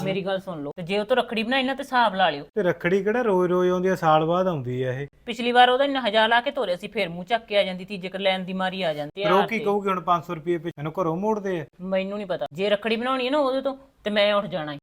ਮੇਰੀ ਗੱਲ ਸੁਣ ਲਓ, ਤੇ ਜੇ ਉਹ ਤੋਂ ਰੱਖੜੀ ਬਣਾਈ ਨਾ ਤੇ ਹਿਸਾਬ ਲਾ ਲਿਓ। ਤੇ ਰੱਖੜੀ ਕਿਹੜਾ ਰੋਜ਼ ਆਉਂਦੀ ਆ, ਸਾਲ ਬਾਅਦ ਆਉਂਦੀ ਆ ਇਹ। ਪਿਛਲੀ ਵਾਰ ਉਹਦਾ ਇੰਨਾ 1000 ਲਾ ਕੇ ਤੋਰਿਆ ਸੀ, ਫਿਰ ਮੂੰਹ ਚੱਕ ਕੇ ਆ ਜਾਂਦੀ, ਤੀਜੇ ਕਰ ਲੈਣ ਦੀ ਮਾਰੀ ਆ ਜਾਂਦੀ। ਫਿਰ ਉਹ ਕੀ ਕਹੂਗੀ ਹੁਣ 500 ਰੁਪਏ ਮੈਨੂੰ ਘਰੋਂ ਮੋੜਦੇ ਆ? ਮੈਨੂੰ ਨਹੀਂ ਪਤਾ, ਜੇ ਰੱਖੜੀ ਬਣਾਉਣੀ ਹੈ ਨਾ ਉਹਦੇ ਤੋਂ ਤੇ ਮੈਂ ਉੱਠ ਜਾਣਾ।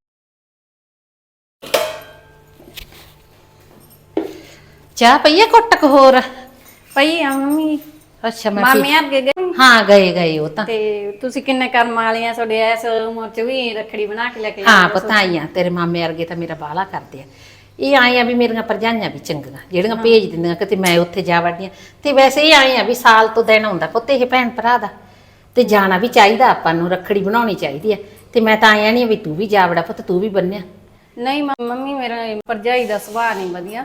ਚਾਹ ਪਈ ਆ ਕੁੱਟਕ ਹੋਰ ਪਈ ਆ ਮੰਮੀ। ਅੱਛਾ ਮੈਂ ਮਾਮੇ ਅੱਗੇ ਗਏ ਹਾਂ ਗਏ ਉਹ ਤਾਂ ਤੇ ਤੁਸੀਂ ਕਿੰਨੇ ਕਰਮ ਵਾਲੀਆਂ, ਤੁਹਾਡੇ ਐਸ ਉਮਰ ਚ ਵੀ ਰੱਖੜੀ ਬਣਾ ਕੇ ਲੈ ਕੇ ਹਾਂ ਪਤਾ ਆਈਆਂ ਤੇਰੇ ਮਾਮੇ ਵਰਗੇ ਤਾਂ ਮੇਰਾ ਬਾਹਲਾ ਕਰਦੇ ਆ। ਇਹ ਆਏ ਆ ਵੀ ਮੇਰੀਆਂ ਭਰਜਾਈਆਂ ਵੀ ਚੰਗੀਆਂ ਜਿਹੜੀਆਂ ਭੇਜ ਦਿੰਦੀਆਂ ਕਿਤੇ ਮੈਂ ਉੱਥੇ ਜਾ ਵੜਦੀਆਂ। ਤੇ ਵੈਸੇ ਇਹ ਆਏ ਆ ਵੀ ਸਾਲ ਤੋਂ ਦਿਨ ਹੁੰਦਾ ਪੁੱਤ ਇਹ ਭੈਣ ਭਰਾ ਦਾ, ਤੇ ਜਾਣਾ ਵੀ ਚਾਹੀਦਾ ਆਪਾਂ ਨੂੰ, ਰੱਖੜੀ ਬਣਾਉਣੀ ਚਾਹੀਦੀ ਆ। ਤੇ ਮੈਂ ਤਾਂ ਆਇਆ ਨਹੀਂ ਵੀ ਤੂੰ ਵੀ ਜਾ ਵੜਾ ਪੁੱਤ, ਤੂੰ ਵੀ ਬੰਨਿਆ। ਨਹੀਂ ਮੰਮੀ ਮੇਰਾ ਭਰਜਾਈ ਦਾ ਸੁਭਾਅ ਨਹੀਂ ਵਧੀਆ।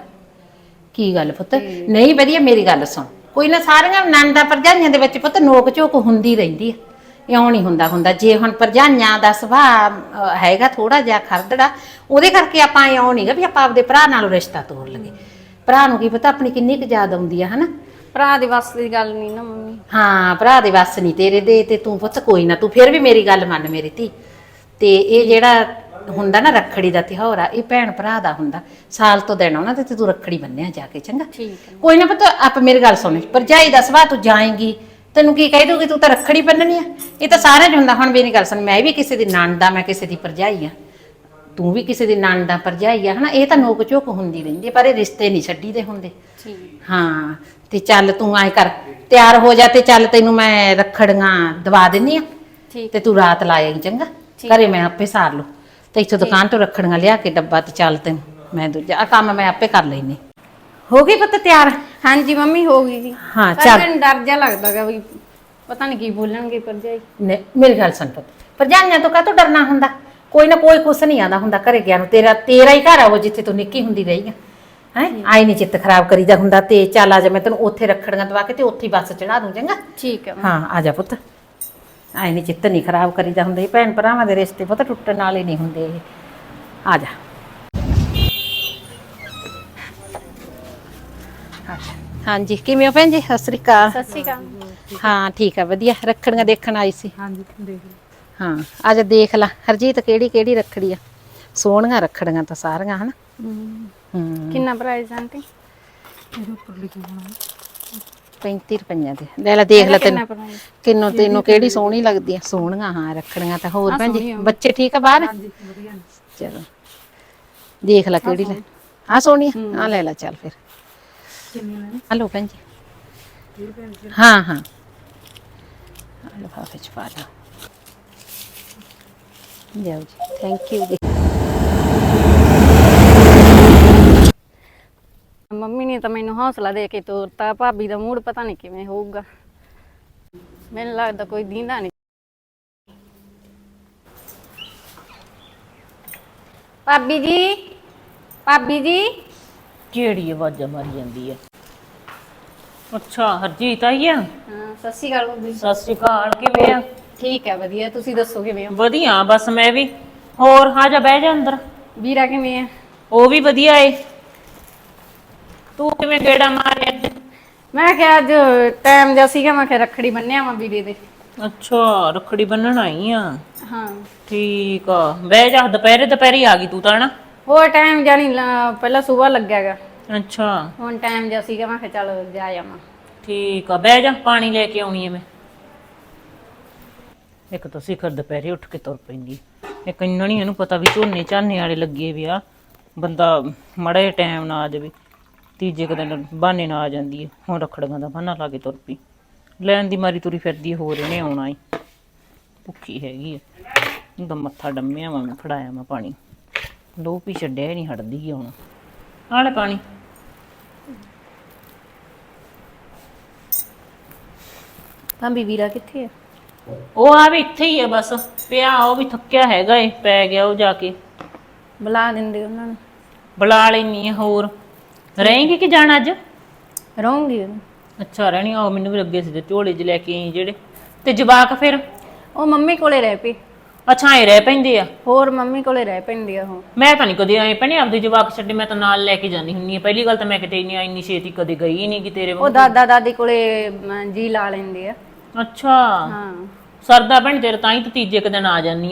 ਕੀ ਗੱਲ ਪੁੱਤ ਨਹੀਂ ਵਧੀਆ? ਮੇਰੀ ਗੱਲ ਸੁਣ, ਕੋਈ ਨਾ ਸਾਰੀਆਂ ਨਣਦਾਂ ਭਰਜਾਈਆਂ ਦੇ ਵਿੱਚ ਪੁੱਤ ਨੋਕ ਝੋਕ ਹੁੰਦੀ ਰਹਿੰਦੀ ਆ, ਇਉਂ ਨਹੀਂ ਹੁੰਦਾ। ਜੇ ਹੁਣ ਭਰਜਾਈਆਂ ਦਾ ਸੁਭਾਅ ਹੈਗਾ ਥੋੜਾ ਜਿਹਾ ਖਰਦੜਾ, ਉਹਦੇ ਕਰਕੇ ਆਪਾਂ ਇਉਂ ਨਹੀਂਗਾ ਵੀ ਆਪਾਂ ਆਪਦੇ ਭਰਾ ਨਾਲੋਂ ਰਿਸ਼ਤਾ ਤੋੜ ਲਈਏ। ਭਰਾ ਨੂੰ ਕੀ ਪਤਾ ਆਪਣੀ ਕਿੰਨੀ ਕੁ ਯਾਦ ਆਉਂਦੀ ਆ, ਹਨਾ। ਭਰਾ ਦੇ ਵੱਸ ਦੀ ਗੱਲ ਨਹੀਂ ਨਾ ਮੰਮੀ। ਹਾਂ ਭਰਾ ਦੇ ਵੱਸ ਨਹੀਂ ਤੇਰੇ ਦੇ, ਤੇ ਤੂੰ ਪੁੱਤ ਕੋਈ ਨਾ, ਤੂੰ ਫਿਰ ਵੀ ਮੇਰੀ ਗੱਲ ਮੰਨ ਮੇਰੀ ਧੀ। ਤੇ ਇਹ ਜਿਹੜਾ ਹੁੰਦਾ ਨਾ ਰੱਖੜੀ ਦਾ ਤਿਉਹਾਰ ਆ, ਇਹ ਭੈਣ ਭਰਾ ਦਾ ਹੁੰਦਾ, ਸਾਲ ਤੋਂ ਦਿਨ ਆਉਣਾ ਤੇ ਤੂੰ ਰੱਖੜੀ ਬੰਨਿਆ ਜਾ ਕੇ, ਚੰਗਾ? ਠੀਕ ਹੈ। ਕੋਈ ਨਾ ਪੁੱਤ ਆਪ ਮੇਰੀ ਗੱਲ ਸੁਣ, ਭਰਜਾਈ ਦਾ ਸੁਭਾਅ ਤੂੰ ਜਾਏਂਗੀ ਤੈਨੂੰ ਕੀ ਕਹਿ ਦੂਗੀ, ਤੂੰ ਤਾਂ ਰੱਖੜੀ ਬੰਨਣੀ ਆ। ਇਹ ਤਾਂ ਸਾਰਿਆਂ 'ਚ ਹੁੰਦਾ। ਹੁਣ ਮੇਰੀ ਗੱਲ ਸੁਣ, ਮੈਂ ਵੀ ਕਿਸੇ ਦੀ ਨਣਦ ਆ, ਮੈਂ ਕਿਸੇ ਦੀ ਭਰਜਾਈ ਆ, ਤੂੰ ਵੀ ਕਿਸੇ ਦੀ ਨਣਦ ਆ ਭਰਜਾਈ ਆ, ਹਨਾ। ਇਹ ਤਾਂ ਨੋਕ ਝੋਕ ਹੁੰਦੀ ਰਹਿੰਦੀ, ਪਰ ਇਹ ਰਿਸ਼ਤੇ ਨਹੀਂ ਛੱਡੀਦੇ ਹੁੰਦੇ। ਠੀਕ। ਹਾਂ ਤੇ ਚੱਲ ਤੂੰ ਐ ਕਰ, ਤਿਆਰ ਹੋ ਜਾ ਤੇ ਚੱਲ ਤੈਨੂੰ ਮੈਂ ਰੱਖੜੀਆਂ ਦਵਾ ਦਿੰਨੀ ਆ, ਠੀਕ। ਤੇ ਤੂੰ ਰਾਤ ਲਾ ਆਈ, ਚੰਗਾ? ਘਰੇ ਮੈਂ ਆਪੇ ਸਾਰ ਲੂ, ਤੇ ਇੱਥੋਂ ਦੁਕਾਨ ਤੋਂ ਰੱਖੜੀਆਂ ਲਿਆ ਕੇ ਡੱਬਾ, ਤੇ ਚੱਲ ਤੈਨੂੰ ਮੈਂ ਦੂਜਾ ਆ ਕੰਮ ਮੈਂ ਆਪੇ ਕਰ ਲੈਨੀ। ਹੋ ਗਈ ਪੁੱਤ ਤਿਆਰ? ਹਾਂਜੀ ਮੰਮੀ ਹੋ ਗਈ ਜੀ। ਹਾਂ ਪਰ ਚੱਲ। ਮੈਨੂੰ ਡਰ ਜਿਹਾ ਲੱਗਦਾਗਾ ਵੀ ਪਤਾ ਨਹੀਂ ਕੀ ਬੋਲਣਗੇ ਭਰਜਾਈ। ਮੇਰੀ ਗੱਲ ਸੁਣ ਪੁੱਤ, ਭਰਜਾਈਆਂ ਤੋਂ ਕਾਹਤੋਂ ਡਰਨਾ ਹੁੰਦਾ? ਕੋਈ ਨਾ ਕੋਈ ਕੁਛ ਨਹੀਂ ਆਉਂਦਾ ਹੁੰਦਾ ਘਰੇ ਗਿਆ ਨੂੰ। ਤੇਰਾ ਹੀ ਘਰ ਆ ਉਹ, ਜਿੱਥੇ ਤੂੰ ਨਿੱਕੀ ਹੁੰਦੀ ਰਹੀ ਆ। ਹੈ ਆਈ ਨਹੀਂ ਚਿੱਤ ਖਰਾਬ ਕਰੀਦਾ ਹੁੰਦਾ। ਤੇ ਚੱਲ ਆ ਜਾ, ਮੈਂ ਤੈਨੂੰ ਉੱਥੇ ਰੱਖੜੀਆਂ ਦਵਾ ਕੇ ਤੇ ਉੱਥੇ ਬੱਸ ਚੜਾ ਦੂੰ, ਚੰਗਾ? ਠੀਕ ਹੈ। ਹਾਂ ਆ ਜਾ ਪੁੱਤ, ਆਈ ਨਹੀਂ ਚਿੱਤ ਨਹੀਂ ਖਰਾਬ ਕਰੀਦਾ ਹੁੰਦਾ। ਇਹ ਭੈਣ ਭਰਾਵਾਂ ਦੇ ਰਿਸ਼ਤੇ ਪੁੱਤ ਟੁੱਟਣ ਵਾਲੇ ਨਹੀਂ ਹੁੰਦੇ ਇਹ। ਆ ਜਾ। ਹਾਂਜੀ ਕਿਵੇਂ ਹੋ ਭੈਣ ਜੀ? ਸਤਿ ਸ੍ਰੀ ਅਕਾਲ। ਸਤਿ ਸ਼੍ਰੀ ਅਕਾਲ। ਹਾਂ ਠੀਕ ਆ ਵਧੀਆ। ਰੱਖੜੀਆਂ ਦੇਖਣ ਆਈ ਸੀ। ਹਾਂਜੀ ਦੇਖ ਹਾਂ ਆ ਜਾ ਦੇਖ ਲਾ ਹਰਜੀਤ, ਕਿਹੜੀ ਕਿਹੜੀ ਰੱਖੜੀ ਆ। ਸੋਹਣੀਆਂ ਰੱਖੜੀਆਂ ਤਾਂ ਸਾਰੀਆਂ, ਹਨਾ। ਕਿੰਨਾ ਪ੍ਰਾਈਸ ਆਂਟੀ? 35 ਰੁਪਈਆਂ ਦੇ ਲੈ ਲੈ, ਦੇਖ ਲੈ ਕਿੰਨਾ ਤੈਨੂੰ ਪ੍ਰਾਈਸ? ਤੈਨੂੰ ਕਿਹੜੀ ਸੋਹਣੀ ਲੱਗਦੀ ਆ। ਸੋਹਣੀਆਂ ਹਾਂ ਰੱਖੜੀਆਂ ਤਾਂ। ਹੋਰ ਭੈਣ ਜੀ ਬੱਚੇ ਠੀਕ ਆ ਬਾਹਰ? ਚਲੋ ਦੇਖ ਲੈ ਕਿਹੜੀ ਲੈ। ਆ ਸੋਹਣੀ ਆ ਲੈ ਲੈ, ਚੱਲ ਫਿਰ। ਹਲੋ ਭੈਣ ਜੀ। ਹਾਂ ਲਿਫਾਫੇ ਚ ਪਾ ਲਓ। ਜਾਓ ਜੀ, ਥੈਂਕ ਯੂ ਜੀ। ਮੰਮੀ ਨੇ ਤਾਂ ਮੈਨੂੰ ਹੌਸਲਾ ਦੇ ਕੇ ਤੋਰਤਾ। ਭਾਬੀ ਦਾ ਮੂਡ ਪਤਾ ਨਹੀਂ ਕਿਵੇਂ ਹੋਊਗਾ, ਮੈਨੂੰ ਲੱਗਦਾ ਕੋਈ ਦੀਂਦਾ ਨਹੀਂ। ਭਾਬੀ ਜੀ, ਭਾਬੀ ਜੀ। ਕਿਹੜੀ ਆਵਾਜ਼ਾਂ ਮਾਰੀ ਜਾਂਦੀ ਹੈ? ਅੱਛਾ ਹਰਜੀਤ ਆਈ ਆ। ਹਾਂ ਸਤਿ ਸ਼੍ਰੀ ਅਕਾਲ ਭਾਬੀ। ਸਤਿ ਸ਼੍ਰੀ ਅਕਾਲ, ਕਿਵੇਂ ਆ? ਠੀਕ ਹੈ ਵਧੀਆ, ਤੁਸੀਂ ਦੱਸੋ ਕਿਵੇਂ ਹੋ? ਵਧੀਆ ਬਸ ਮੈਂ ਵੀ। ਹੋਰ ਆ ਜਾ ਬਹਿ ਜਾ ਅੰਦਰ। ਵੀਰਾ ਕਿਵੇਂ ਹੈ? ਉਹ ਵੀ ਵਧੀਆ ਏ। ਤੂੰ ਕਿਵੇਂ ਗੇੜਾ ਮਾਰਿਆ ਅੱਜ? ਮੈਂ ਕਿਹਾ ਅੱਜ ਟਾਈਮ ਜਿਹਾ ਸੀਗਾ, ਮੈਂ ਕਿਹਾ ਰੱਖੜੀ ਬੰਨਿਆ ਵਾਂ ਵੀਰੇ ਦੇ। ਅੱਛਾ ਰੱਖੜੀ ਬੰਨਣ ਆਈ ਆ। ਹਾਂ ਠੀਕ ਆ, ਬਹਿ ਜਾ। ਦੁਪਹਿਰੇ ਆ ਗਈ ਤੂੰ ਤਾਂ ਨਾ। ਹੋਰ ਟਾਈਮ ਜਾਨੀ ਪਹਿਲਾਂ ਸਵੇਰ ਲੱਗਿਆਗਾ, ਅੱਛਾ ਹੁਣ ਟਾਈਮ ਜਿਹਾ ਸੀਗਾ, ਮੈਂ ਕਿਹਾ ਚੱਲ ਜਾ ਆਵਾਂ। ਠੀਕ ਆ, ਬਹਿ ਜਾ। ਪਾਣੀ ਲੈ ਕੇ ਆਉਣੀ ਐ ਮੈਂ। ਇੱਕ ਤਾਂ ਸਿਖਰ ਦੁਪਹਿਰੇ ਉੱਠ ਕੇ ਤੁਰ ਪੈਂਦੀ, ਇੱਕ ਇੰਨਾ ਨਹੀਂ ਇਹਨੂੰ ਪਤਾ ਵੀ ਝੋਨੇ ਝਾਨੇ ਵਾਲੇ ਲੱਗੇ ਵੀ ਆ। ਬੰਦਾ ਮੜੇ ਟਾਈਮ ਨਾ ਆ ਜਾਵੇ, ਤੀਜੇ ਕੁ ਦਿਨ ਬਹਾਨੇ ਨਾ ਆ ਜਾਂਦੀ ਹੈ। ਹੁਣ ਰੱਖੜੀਆਂ ਦਾ ਬਹਾਨਾ ਲਾ ਕੇ ਤੁਰ ਪਈ, ਲੈਣ ਦੀ ਮਾਰੀ ਤੁਰੀ ਫਿਰਦੀ। ਹੋਰ ਇਹਨੇ ਆਉਣਾ ਹੀ, ਭੁੱਖੀ ਹੈਗੀ ਆ। ਉਹਦਾ ਮੱਥਾ ਡੰਮਿਆ ਵਾ ਮੈਂ, ਫੜਾਇਆ ਮੈਂ ਪਾਣੀ। ਲੋ ਪੀ ਛੱਡਿਆ ਹੀ ਨਹੀਂ ਹਟਦੀ ਹੁਣ। ਆ ਲੈ ਪਾਣੀ। ਭਾਬੀ ਵੀਰਾ ਕਿੱਥੇ ਹੈ? ਉਹ ਆ ਵੀ ਇੱਥੇ ਹੀ ਆ ਬਸ ਪਿਆ। ਉਹ ਵੀ ਥੱਕਿਆ ਹੈਗਾ ਏ, ਪੈ ਗਿਆ ਉਹ ਜਾ ਕੇ। ਬੁਲਾ ਦਿੰਦੇ ਉਹਨਾਂ ਨੂੰ। ਬੁਲਾ ਲੈਣੀ ਆ। ਹੋਰ ਰਹੇਂਗੀ ਕਿ ਜਾਣਾ ਅੱਜ? ਰਹੂੰਗੀ। ਅੱਛਾ ਰਹਿਣੀ ਆ। ਮੈਨੂੰ ਵੀ ਲੱਗੇ ਸੀ ਤੇ ਝੋਲੇ 'ਚ ਲੈ ਕੇ ਆਈ ਜਿਹੜੇ। ਤੇ ਜਵਾਕ ਫਿਰ? ਉਹ ਮੰਮੀ ਕੋਲੇ ਰਹਿ ਪਈ। ਅੱਛਾ ਐ ਰਹਿ ਪੈਂਦੇ ਆ? ਹੋਰ ਮੰਮੀ ਕੋਲੇ ਰਹਿ ਪੈਂਦੀ ਆ ਉਹ। ਮੈਂ ਤਾਂ ਨਹੀਂ ਕਦੇ ਆਏ ਭੈਣੇ ਆਪਦੇ ਜਵਾਕ ਛੱਡੇ, ਮੈਂ ਤਾਂ ਨਾਲ ਲੈ ਕੇ ਜਾਂਦੀ ਹੁੰਨੀ ਆ। ਪਹਿਲੀ ਗੱਲ ਤਾਂ ਮੈਂ ਕਿਤੇ ਇੰਨੀ ਛੇਤੀ ਕਦੇ ਗਈ ਹੀ ਨਹੀਂ ਕਿ ਤੇਰੇ ਉਹ ਦਾਦਾ ਦਾਦੀ ਕੋਲੇ ਜੀ ਲਾ ਲੈਂਦੇ ਆ। ਅੱਛਾ ਹਾਂ ਸਰਦਾ ਭੈਣ ਤੇਰੇ, ਤਾਂ ਹੀ ਤੂੰ ਤੀਜੇ ਕੁ ਦਿਨ ਆ ਜਾਂਦੀ ਆ ਨਾ।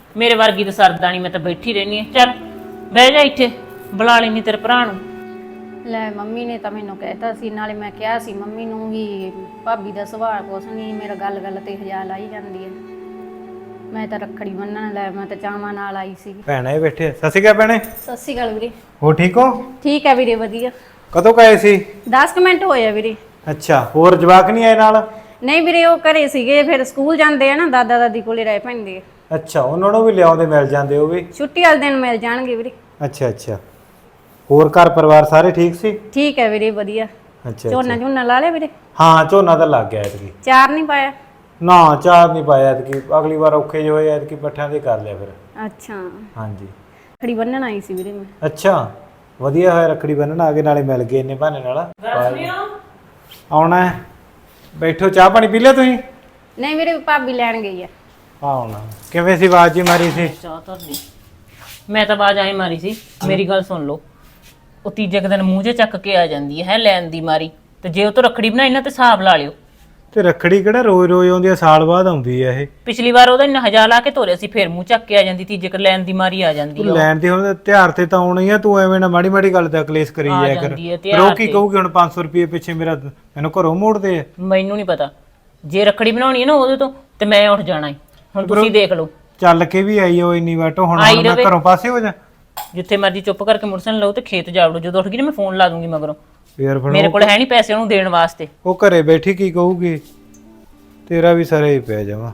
ਮੇਰੇ ਵਰਗੀ ਤਾਂ ਸਰਦਾ ਨਹੀਂ, ਮੈਂ ਤਾਂ ਬੈਠੀ ਰਹਿਣੀ ਆ। ਚੱਲ ਬਹਿ ਜਾ ਇੱਥੇ, ਬੁਲਾ ਲੈਣੀ ਤੇਰੇ ਭਰਾ ਨੂੰ। ਲੈ ਮੰਮੀ ਨੇ ਤਾਂ ਮੈਨੂੰ ਕਹਿਤਾ ਸੀ, ਨਾਲੇ ਮੈਂ ਕਿਹਾ ਸੀ ਮੰਮੀ ਨੂੰ ਵੀ ਭਾਬੀ ਦਾ ਸੁਭਾਅ ਕੁਛ ਨਹੀਂ, ਮੇਰਾ ਗੱਲ ਤੇ ਹਜਾ ਲਾਈ ਜਾਂਦੀ ਹੈ। ਮੈਂ ਤਾਂ ਰੱਖੜੀ ਬੰਨਣ ਲੈ, ਮੈਂ ਤਾਂ ਚਾਵਾਂ ਨਾਲ ਆਈ ਸੀ। ਭੈਣੇ ਬੈਠੇ, ਸਤਿ ਸ਼੍ਰੀ ਅਕਾਲ ਭੈਣੇ। ਸਤਿ ਸ਼੍ਰੀ ਅਕਾਲ ਵੀਰੇ। ਹੋ ਠੀਕ ਹੋ? ਠੀਕ ਹੈ ਵੀਰੇ, ਵਧੀਆ। ਕਦੋਂ ਕਹੇ ਸੀ? 10 ਮਿੰਟ ਹੋਏ ਆ ਵੀਰੇ। ਅੱਛਾ, ਹੋਰ ਜਵਾਕ ਨਹੀਂ ਆਏ ਨਾਲ? ਨਹੀਂ ਵੀਰੇ, ਉਹ ਘਰੇ ਸੀਗੇ, ਫਿਰ ਸਕੂਲ ਜਾਂਦੇ ਆ ਨਾ, ਦਾਦਾ ਦਾਦੀ ਕੋਲੇ ਰਹਿ ਪੈਂਦੇ ਆ। ਅੱਛਾ, ਉਹਨਾਂ ਨੂੰ ਵੀ ਲਿਆਉਂਦੇ, ਮਿਲ ਜਾਂਦੇ ਉਹ ਵੀ। ਛੁੱਟੀ ਵਾਲੇ ਦਿਨ ਮਿਲ ਜਾਣਗੇ ਵੀਰੇ। ਅੱਛਾ ਅੱਛਾ, ਹੋਰ ਘਰ ਪਰਿਵਾਰ ਸਾਰੇ ਠੀਕ ਸੀ? ਠੀਕ ਹੈ ਵੀਰੇ, ਵਧੀਆ। ਅੱਛਾ ਝੋਨਾ ਝੋਨਾ ਲਾ ਲਿਆ ਵੀਰੇ? ਹਾਂ, ਝੋਨਾ ਤਾਂ ਲੱਗ ਗਿਆ ਐਤਕੀ। ਚਾਰ ਨਹੀਂ ਪਾਇਆ? ਨਾ, ਚਾਰ ਨਹੀਂ ਪਾਇਆ ਐਤਕੀ, ਅਗਲੀ ਵਾਰ ਔਖੇ ਜਿਹੇ ਹੋਏ, ਐਤਕੀ ਪੱਠਿਆਂ ਦੇ ਕਰ ਲਿਆ ਫਿਰ। ਅੱਛਾ, ਹਾਂਜੀ। ਰੱਖੜੀ ਬੰਨਣ ਆਈ ਸੀ ਵੀਰੇ ਮੈਂ। ਅੱਛਾ, ਵਧੀਆ ਹੋਇਆ ਰੱਖੜੀ ਬੰਨਣ ਆ ਗਏ, ਨਾਲੇ ਮਿਲ ਗਏ ਇੰਨੇ ਬਹਾਨੇ ਨਾਲ। ਆਉਣਾ ਹੈ, ਬੈਠੋ, ਚਾਹ ਪਾਣੀ ਪੀ ਲਿਆ ਤੁਸੀਂ? ਨਹੀਂ ਵੀਰੇ, ਭਾਬੀ ਲੈਣ ਗਈ ਆ। ਆਉਣਾ ਕਿਵੇਂ ਸੀ, ਆਵਾਜ਼ ਜੀ ਮਾਰੀ ਸੀ? ਚਾਹ ਧਰ ਲਈ। ਮੈਂ ਤਾਂ ਆਵਾਜ਼ ਆਈ ਮਾਰੀ ਸੀ। ਮੇਰੀ ਗੱਲ ਸੁਣ ਲਓ, ਉਹ ਤੀਜੇ ਕੁ ਦਿਨ ਮੂੰਹ 'ਚ ਚੱਕ ਕੇ ਆ ਜਾਂਦੀ ਹੈ ਲੈਣ ਦੀ ਮਾਰੀ, ਤੇ ਜੇ ਉਹ ਤੋਂ ਰੱਖੜੀ ਬਣਾਈ ਨਾ ਤੇ ਹਿਸਾਬ ਲਾ ਲਿਓ। ਤੇ ਰੱਖੜੀ ਕਿਹੜਾ ਰੋਜ਼ ਰੋਜ਼ ਆਉਂਦੀ ਆ, ਸਾਲ ਬਾਅਦ ਆਉਂਦੀ ਆ ਇਹ। ਪਿਛਲੀ ਵਾਰ ਉਹਦਾ ਇੰਨਾ ਹਜਾ ਲਾ ਕੇ ਤੋਰਿਆ ਸੀ, ਫਿਰ ਮੂੰਹ ਚੱਕ ਕੇ ਆ ਜਾਂਦੀ, ਤੀਜੇ ਕੁ ਲੈਣ ਦੀ ਮਾਰੀ ਆ ਜਾਂਦੀ ਤੂੰ ਉਹ। ਲੈਣ ਦੀ ਹੁਣ ਤਿਉਹਾਰ ਤੇ ਤਾਂ ਆਉਣੀ ਆ, ਤੂੰ ਐਵੇਂ ਨਾ ਮਾੜੀ ਮਾੜੀ ਗੱਲ ਦਾ ਕਲੇਸ਼ ਕਰੀ ਆ ਜਾਇਆ ਕਰ। ਜਾਂਦੀ ਹੈ ਫਿਰ ਉਹ ਤਿਉਹਾਰ ਕੀ ਤੇ। ਕਹੂਗੀ ਹੁਣ 500 ਰੁਪਏ ਪਿੱਛੇ ਮੈਨੂੰ ਘਰੋਂ ਮੋੜਦੇ ਆ? ਮੈਨੂੰ ਨਹੀਂ ਪਤਾ, ਜੇ ਰੱਖੜੀ ਬਣਾਉਣੀ ਹੈ ਨਾ ਉਹਦੇ ਤੋਂ ਤੇ ਮੈਂ ਉੱਠ ਜਾਣਾ ਈ। ਹੁਣ ਤੁਸੀਂ ਦੇਖ ਲਓ। ਚੱਲ ਕੇ ਵੀ ਆਈ ਉਹ ਇੰਨੀ ਵਾਟੋ, ਹੁਣ ਆਈ ਮੈਂ ਰਵੇ। ਘਰੋਂ ਪਾਸੇ ਹੋ ਜਾ। ਜਿੱਥੇ ਮਰਜੀ ਚੁੱਪ ਕਰਕੇ ਮੁਰਸਨ ਲਓ ਤੇ ਖੇਤ ਜਾ ਵੜੋ। ਜਦੋਂ ਉੱਠ ਗਈ ਨਾ ਮੈਂ ਫੋਨ ਲਾ ਦੂੰਗੀ ਮਗਰੋਂ। ਫੇਰ ਮੇਰੇ ਕੋਲ ਹੈ ਨਹੀਂ ਪੈਸੇ ਉਹਨੂੰ ਦੇਣ ਵਾਸਤੇ। ਉਹ ਘਰੇ ਬੈਠੀ ਕੀ ਕਹੂਗੀ? ਤੇਰਾ ਵੀ ਸਾਰੇ ਹੀ ਪੈ ਜਾਵਾਂ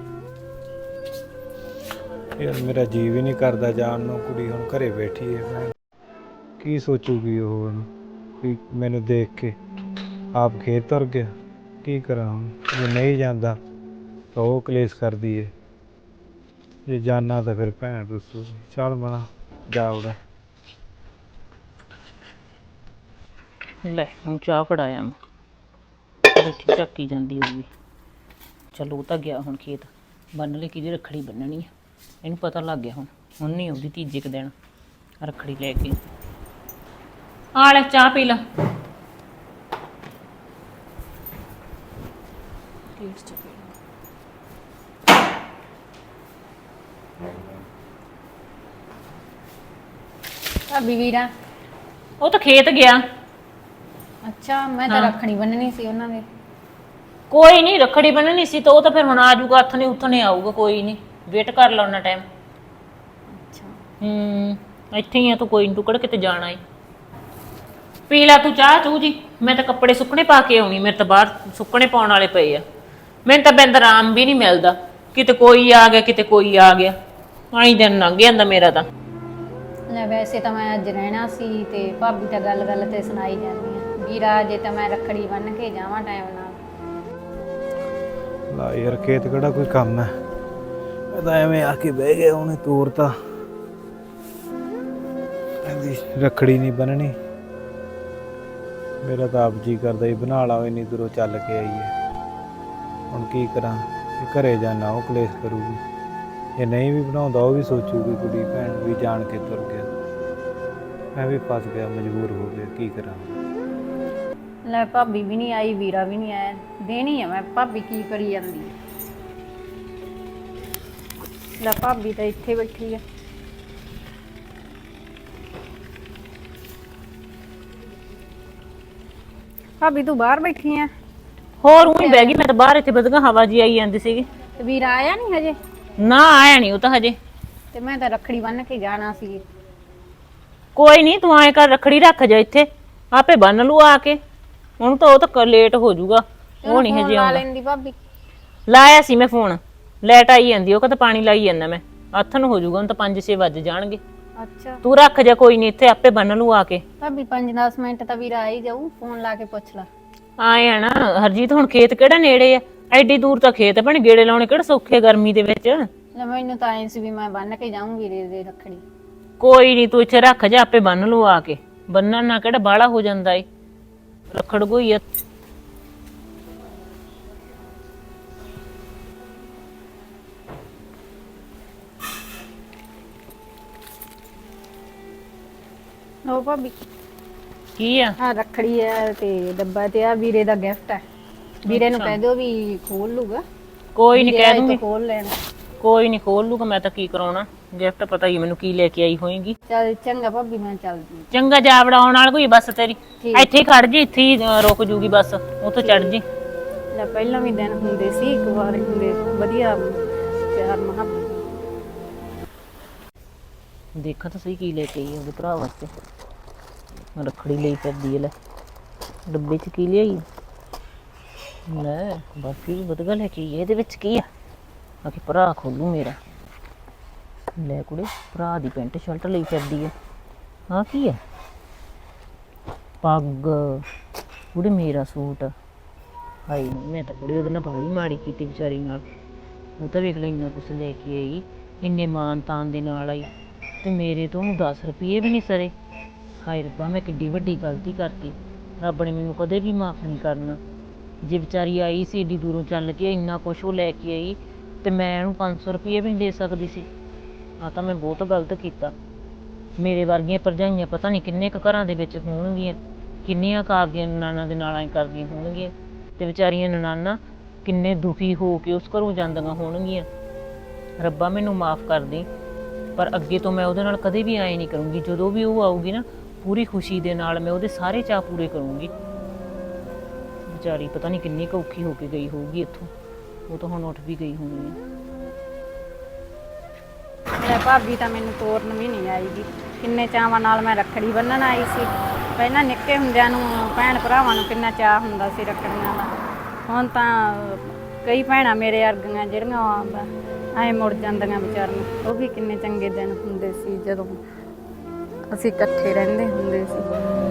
ਯਾਰ, ਮੇਰਾ ਜੀ ਵੀ ਨਹੀਂ ਕਰਦਾ ਜਾਣ ਨੂੰ। ਕੁੜੀ ਹੁਣ ਘਰੇ ਬੈਠੀ ਹੈ, ਕੀ ਸੋਚੂਗੀ ਉਹ ਵੀ ਮੈਨੂੰ ਦੇਖ ਕੇ ਆਪ ਖੇਤ ਤੁਰ ਗਿਆ? ਕੀ ਕਰਾਂ ਹੁਣ, ਜੇ ਨਹੀਂ ਜਾਂਦਾ ਤਾਂ ਉਹ ਕਲੇਸ਼ ਕਰਦੀ ਏ, ਜੇ ਜਾਣਾ ਤਾਂ ਫਿਰ ਭੈਣ ਦੱਸੂ। ਚੱਲ ਮਨਾ ਜਾ ਉੜਾ। ਲੈ ਹੁਣ ਚਾਹ ਫੜਾਇਆ ਮੈਂ, ਬੈਠੀ ਝੱਕੀ ਜਾਂਦੀ ਹੋਊਗੀ। ਚਲੋ ਉਹ ਤਾਂ ਗਿਆ ਹੁਣ ਖੇਤ ਬੰਨ ਲੈ, ਕਿਹਦੀ ਰੱਖੜੀ ਬੰਨਣੀ ਆ ਇਹਨੂੰ ਪਤਾ ਲੱਗ ਗਿਆ। ਹੁਣ ਨਹੀਂ ਆਉਂਦੀ ਤੀਜੇ ਕੁ ਦਿਨ ਰੱਖੜੀ ਲੈ ਕੇ। ਆ ਲੈ ਚਾਹ ਪੀ ਲਾ। ਭਾਬੀ ਵੀਰਾ? ਉਹ ਤਾਂ ਖੇਤ ਗਿਆ। ਅੱਛਾ, ਮੈਂ ਤਾਂ ਰੱਖੜੀ ਬੰਨਣੀ ਸੀ ਉਹਨਾਂ ਦੇ। ਕੋਈ ਨਹੀਂ, ਰੱਖੜੀ ਬੰਨਣੀ ਸੀ ਤਾਂ ਉਹ ਤਾਂ ਫਿਰ ਹੁਣ ਆ ਜਾਊਗਾ, ਹੱਥ ਨੇ ਉੱਥਣੇ ਆਊਗਾ। ਕੋਈ ਨਹੀਂ, ਵੇਟ ਕਰ ਲਾ ਉਹਨਾਂ ਟਾਈਮ। ਅੱਛਾ, ਇੱਥੇ ਹੀ ਆ ਤੂੰ, ਕੋਈ ਨੀ, ਤੂੰ ਕਿਹੜਾ ਕਿਤੇ ਜਾਣਾ ਏ। ਪੀ ਲਾ ਤੂੰ ਚਾਹ ਚੂ ਜੀ। ਮੈਂ ਤਾਂ ਕੱਪੜੇ ਸੁੱਕਣੇ ਪਾ ਕੇ ਆਉਣੀ, ਮੇਰੇ ਤਾਂ ਬਾਹਰ ਸੁੱਕਣੇ ਪਾਉਣ ਵਾਲੇ ਪਏ ਆ। ਮੈਨੂੰ ਤਾਂ ਬਿੰਦ ਆਰਾਮ ਵੀ ਨਹੀਂ ਮਿਲਦਾ, ਕਿਤੇ ਕੋਈ ਆ ਗਿਆ ਕਿਤੇ ਕੋਈ ਆ ਗਿਆ, ਆਈ ਦਿਨ ਲੰਘ ਜਾਂਦਾ ਮੇਰਾ ਤਾਂ। ਲੈ ਵੈਸੇ ਤਾਂ ਮੈਂ ਅੱਜ ਰਹਿਣਾ ਸੀ, ਤੇ ਭਾਬੀ ਤਾਂ ਗੱਲ ਤੇ ਸੁਣਾਈ ਜਾਂਦੀ ਆ ਵੀਰਾ, ਜੇ ਤਾਂ ਮੈਂ ਰੱਖੜੀ ਬੰਨ ਕੇ ਜਾਵਾਂ ਟਾਈਮ ਨਾਲ। ਲਾ ਯਾਰ, ਖੇਤ ਕਿਹੜਾ ਕੋਈ ਕੰਮ ਹੈ? ਮੈਂ ਤਾਂ ਐਵੇਂ ਆ ਕੇ ਬਹਿ ਗਿਆ, ਉਹਨੇ ਤੋਰਤਾ। ਕਹਿੰਦੀ ਰੱਖੜੀ ਨਹੀਂ ਬੰਨਣੀ। ਮੇਰਾ ਤਾਂ ਆਪ ਜੀ ਕਰਦਾ ਹੀ ਬਣਾ ਲਾ, ਇੰਨੀ ਦੂਰੋਂ ਚੱਲ ਕੇ ਆਈਏ। ਹੁਣ ਕੀ ਕਰਾਂ, ਜੇ ਘਰੇ ਜਾਣਾ ਉਹ ਕਲੇਸ਼ ਕਰੂਗੀ, ਜੇ ਨਹੀਂ ਵੀ ਬਣਾਉਂਦਾ ਉਹ ਵੀ ਸੋਚੂਗੀ ਕੁੜੀ ਭੈਣ ਵੀ ਜਾਣ ਕੇ ਤੁਰ ਗਿਆ। ਮੈਂ ਵੀ ਫਸ ਗਿਆ, ਮਜਬੂਰ ਹੋ ਗਿਆ, ਕੀ ਕਰਾਂ। ਲੈ ਭਾਬੀ ਵੀ ਨਹੀਂ ਆਈ, ਵੀਰਾ ਵੀ ਨਹੀਂ ਆਇਆ, ਦੇਣੀ ਆ ਮੈਂ। ਭਾਬੀ ਕੀ ਕਰੀ ਜਾਂਦੀ ਆ? ਲੈ ਭਾਬੀ ਤਾਂ ਇੱਥੇ ਬੈਠੀ ਆ। ਭਾਬੀ ਤੂੰ ਬਾਹਰ ਬੈਠੀ ਆ? ਹੋਰ ਉਹੀ ਬਹਿ ਗਈ ਮੈਂ ਤਾਂ ਬਾਹਰ, ਇੱਥੇ ਵਧੀਆ ਹਵਾ ਜੀ ਆਈ ਜਾਂਦੀ ਸੀਗੀ। ਤੇ ਵੀਰਾ ਆਇਆ ਨਹੀਂ ਹਜੇ? ਨਾ ਆਇਆ ਨਹੀਂ ਉਹ ਤਾਂ ਹਜੇ। ਤੇ ਮੈਂ ਤਾਂ ਰੱਖੜੀ ਬੰਨ ਕੇ ਜਾਣਾ ਸੀ। ਕੋਈ ਨਹੀਂ, ਤੂੰ ਐਂ ਕਰ, ਰੱਖੜੀ ਰੱਖ ਜਾ ਇੱਥੇ, ਆਪੇ ਬੰਨ ਲੂ ਆ ਕੇ। ਹੁਣ ਤਾਂ ਉਹ ਤਾਂ ਲੇਟ ਹੋ ਜਾਊਗਾ, ਉਹ ਨਹੀਂ ਹਜੇ ਲਾ ਆਉਂਦਾ। ਲੈਂਦੀ ਭਾਬੀ। ਲਾਇਆ ਸੀ ਮੈਂ ਫੋਨ, ਲਾਈਟ ਆਈ ਜਾਂਦੀ, ਉਹ ਕਹਿੰਦਾ ਪਾਣੀ ਲਾਈ ਜਾਂਦਾ ਮੈਂ। ਹੱਥ ਨੂੰ ਹੋ ਜਾਊਗਾ, ਹੁਣ ਤਾਂ 5-6 ਵੱਜ ਜਾਣਗੇ। ਅੱਛਾ ਤੂੰ ਰੱਖ ਜਾ, ਕੋਈ ਨਹੀਂ, ਇੱਥੇ ਆਪੇ ਬੰਨ ਲੂ ਆ ਕੇ। ਭਾਬੀ 5-10 ਮਿੰਟ ਤਾਂ ਵੀਰਾ ਆ ਹੀ ਜਾਊ, ਫੋਨ ਲਾ ਕੇ ਪੁੱਛ ਲਾ। ਆਏ ਆ ਨਾ ਹਰਜੀਤ, ਹੁਣ ਖੇਤ ਕਿਹੜਾ ਨੇੜੇ ਆ? ਐਡੀ ਦੂਰ ਤਾਂ ਖੇਤ ਭੈਣ, ਗੇੜੇ ਲਾਉਣੇ ਕਿਹੜਾ ਸੌਖੇ ਗਰਮੀ ਦੇ ਵਿੱਚ। ਲੈ ਮੈਨੂੰ ਤਾਂ ਐਂ ਸੀ ਵੀ ਮੈਂ ਬੰਨ ਕੇ ਜਾਊਂ ਵੀਰੇ ਦੇ ਰੱਖੜੀ। ਕੋਈ ਨਹੀਂ, ਤੂੰ ਇੱਥੇ ਰੱਖ ਜਾ, ਆਪੇ ਬੰਨ ਲੂ ਆ ਕੇ। ਬੰਨਣ ਨਾਲ ਕਿਹੜਾ ਬਾਹਲਾ ਹੋ ਜਾਂਦਾ ਏ, ਰੱਖੜ ਕੋਈ ਆ। ਉਹ ਭਾਬੀ ਕੀ ਆ? ਹਾਂ ਰੱਖੜੀ ਹੈ ਤੇ ਡੱਬਾ ਤੇ ਆ ਵੀਰੇ ਦਾ ਗਿਫਟ ਹੈ। ਵੀਰੇ ਨੂੰ ਕਹਿ ਦਿਓ ਵੀ ਖੋਲ ਲੂਗਾ। ਕੋਈ ਨਹੀਂ, ਕਹਿ ਦੂੰਗੀ। ਖੋਲ ਲੈਣ। ਕੋਈ ਨਹੀਂ ਖੋਲ ਲੂਗਾ, ਮੈਂ ਤਾਂ ਕੀ ਕਰਾਉਣਾ। ਗਿਫਟ ਪਤਾ ਹੀ ਮੈਨੂੰ ਕੀ ਲੈ ਕੇ ਆਈ ਹੋਏਗੀ। ਚੱਲ ਚੰਗਾ ਭਾਬੀ, ਮੈਂ ਚੱਲਦੀ। ਚੰਗਾ, ਜਾ ਵੜਾਉਣ ਨਾਲ ਕੋਈ ਬੱਸ ਤੇਰੀ ਠੀਕ। ਇੱਥੇ ਹੀ ਖੜ ਜੀ, ਇੱਥੇ ਹੀ ਰੁਕ ਜੂਗੀ ਬੱਸ, ਉੱਥੋਂ ਚੜ ਜੀ। ਲੈ ਪਹਿਲਾਂ ਵੀ ਦਿਨ ਹੁੰਦੇ ਸੀ, ਇੱਕ ਵਾਰ ਹੁੰਦੇ ਵਧੀਆ ਪਿਆਰ ਮੁਹੱਬਤ। ਦੇਖਾਂ ਤਾਂ ਸਹੀ ਕੀ ਲੈ ਕੇ ਆਈ ਉਹਦੇ ਭਰਾ ਵਾਸਤੇ। ਰੱਖੜੀ ਲਈ ਫਿਰਦੀ ਹੈ, ਲੈ ਡੱਬੇ 'ਚ ਕੀ ਲਿਆਈ? ਲੈ ਬਾਕੀ ਵੀ ਵਧੀਆ ਲੈ ਕੇ ਆਈ। ਇਹਦੇ ਵਿੱਚ ਕੀ ਆ? ਆਖੇ ਭਰਾ ਖੋਲੂ ਮੇਰਾ। ਲੈ ਕੁੜੇ, ਭਰਾ ਦੀ ਪੈਂਟ ਸ਼ਰਟ ਲਈ ਫਿਰਦੀ ਹੈ। ਆਹ ਕੀ ਹੈ? ਪੱਗ। ਕੁੜੇ ਮੇਰਾ ਸੂਟ। ਹਾਏ ਮੈਂ ਤਾਂ ਕੁੜੀ ਉਹਦੇ ਨਾਲ ਬਾਹਲੀ ਮਾੜੀ ਕੀਤੀ ਵਿਚਾਰੀ ਨਾਲ। ਉਹ ਤਾਂ ਵੇਖ ਲੈ ਇੰਨਾ ਕੁਛ ਲੈ ਕੇ ਆਈ, ਇੰਨੇ ਮਾਨ ਤਾਨ ਦੇ ਨਾਲ ਆਈ, ਤੇ ਮੇਰੇ ਤੋਂ 10 ਰੁਪਏ ਵੀ ਨਹੀਂ ਸਰੇ। ਹਾਏ ਰੱਬਾ, ਮੈਂ ਕਿੱਡੀ ਵੱਡੀ ਗਲਤੀ ਕਰਤੀ। ਰੱਬ ਨੇ ਮੈਨੂੰ ਕਦੇ ਵੀ ਮਾਫ਼ ਨਹੀਂ ਕਰਨਾ। ਜੇ ਵਿਚਾਰੀ ਆਈ ਸੀ ਏਡੀ ਦੂਰੋਂ ਚੱਲ ਕੇ, ਇੰਨਾ ਕੁਛ ਉਹ ਲੈ ਕੇ ਆਈ, ਤੇ ਮੈਂ ਉਹਨੂੰ 500 ਰੁਪਏ ਵੀ ਨਹੀਂ ਦੇ ਸਕਦੀ ਸੀ। ਆ ਤਾਂ ਮੈਂ ਬਹੁਤ ਗਲਤ ਕੀਤਾ। ਮੇਰੇ ਵਰਗੀਆਂ ਭਰਜਾਈਆਂ ਪਤਾ ਨਹੀਂ ਕਿੰਨੇ ਕੁ ਘਰਾਂ ਦੇ ਵਿੱਚ ਹੋਣਗੀਆਂ, ਕਿੰਨੀਆਂ ਕੁ ਆਪਦੀਆਂ ਨਨਾਣਾਂ ਦੇ ਨਾਲ ਐਂ ਕਰਦੀਆਂ ਹੋਣਗੀਆਂ, ਤੇ ਵਿਚਾਰੀਆਂ ਨਨਾਣਾਂ ਕਿੰਨੇ ਦੁਖੀ ਹੋ ਕੇ ਉਸ ਘਰੋਂ ਜਾਂਦੀਆਂ ਹੋਣਗੀਆਂ। ਰੱਬਾ ਮੈਨੂੰ ਮਾਫ਼ ਕਰ ਦੇ, ਪਰ ਅੱਗੇ ਤੋਂ ਮੈਂ ਉਹਦੇ ਨਾਲ ਕਦੇ ਵੀ ਐਂ ਨਹੀਂ ਕਰੂੰਗੀ। ਜਦੋਂ ਵੀ ਉਹ ਆਊਗੀ ਨਾ, ਪੂਰੀ ਖੁਸ਼ੀ ਦੇ ਨਾਲ ਮੈਂ ਉਹਦੇ ਸਾਰੇ ਚਾਅ ਪੂਰੇ ਕਰੂੰਗੀ। ਵਿਚਾਰੀ ਪਤਾ ਨਹੀਂ ਕਿੰਨੀ ਕੁ ਔਖੀ ਹੋ ਕੇ ਗਈ ਹੋਊਗੀ ਇੱਥੋਂ। ਉਹ ਤਾਂ ਹੁਣ ਉੱਠ ਵੀ ਗਈ ਹੋਣੀ ਹੈ। ਲੈ ਭਾਬੀ ਤਾਂ ਮੈਨੂੰ ਤੋਰਨ ਵੀ ਨਹੀਂ ਆਈਗੀ। ਕਿੰਨੇ ਚਾਵਾਂ ਨਾਲ ਮੈਂ ਰੱਖੜੀ ਬੰਨਣ ਆਈ ਸੀ। ਪਹਿਲਾਂ ਨਿੱਕੇ ਹੁੰਦਿਆਂ ਨੂੰ ਭੈਣ ਭਰਾਵਾਂ ਨੂੰ ਕਿੰਨਾ ਚਾਅ ਹੁੰਦਾ ਸੀ ਰੱਖੜੀਆਂ ਦਾ। ਹੁਣ ਤਾਂ ਕਈ ਭੈਣਾਂ ਮੇਰੇ ਵਰਗੀਆਂ ਜਿਹੜੀਆਂ ਐਂ ਮੁੜ ਜਾਂਦੀਆਂ ਵਿਚਾਰੀਆਂ। ਉਹ ਵੀ ਕਿੰਨੇ ਚੰਗੇ ਦਿਨ ਹੁੰਦੇ ਸੀ ਜਦੋਂ ਅਸੀਂ ਇਕੱਠੇ ਰਹਿੰਦੇ ਹੁੰਦੇ ਸੀ।